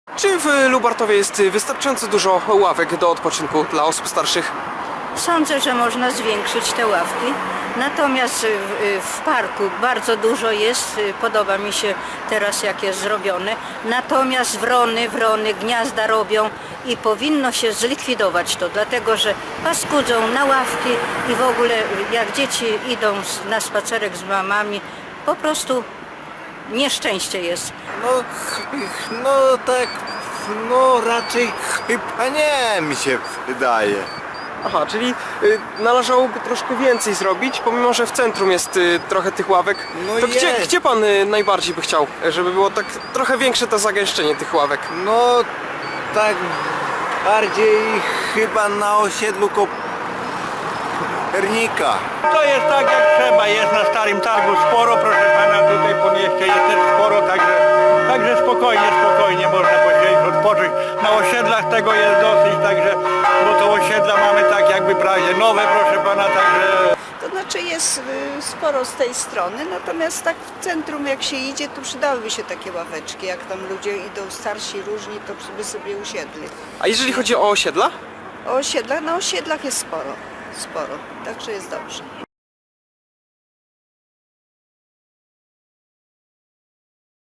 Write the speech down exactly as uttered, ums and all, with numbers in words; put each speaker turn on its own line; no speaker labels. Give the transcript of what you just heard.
Czy w Lubartowie jest wystarczająco dużo ławek do odpoczynku dla osób starszych?
Sądzę, że można zwiększyć te ławki. Natomiast w, w parku bardzo dużo jest, podoba mi się teraz jak jest zrobione. Natomiast wrony, wrony gniazda robią i powinno się zlikwidować to, dlatego że paskudzą na ławki i w ogóle jak dzieci idą na spacerek z mamami, po prostu nieszczęście jest.
No, no tak, no raczej chyba nie, mi się wydaje.
Aha, czyli y, należałoby troszkę więcej zrobić, pomimo że w centrum jest y, trochę tych ławek.
No
To gdzie,
jest.
gdzie pan y, najbardziej by chciał, żeby było tak trochę większe to zagęszczenie tych ławek?
No tak bardziej chyba na osiedlu Kopernika.
To jest tak jak trzeba, jest na Starym Targu sporo, proszę pana, tutaj po mieście jest też sporo, także, także spokojnie, spokojnie można posiedzieć, odpocząć. Na osiedlach tego jest dosyć, także, bo to osiedla mamy tak jakby prawie nowe, proszę pana, także...
To znaczy jest y, sporo z tej strony, natomiast tak w centrum jak się idzie, to przydałyby się takie ławeczki, jak tam ludzie idą starsi, różni, to by sobie usiedli.
A jeżeli chodzi o osiedla?
O osiedlach, na osiedlach jest sporo, sporo, także jest dobrze.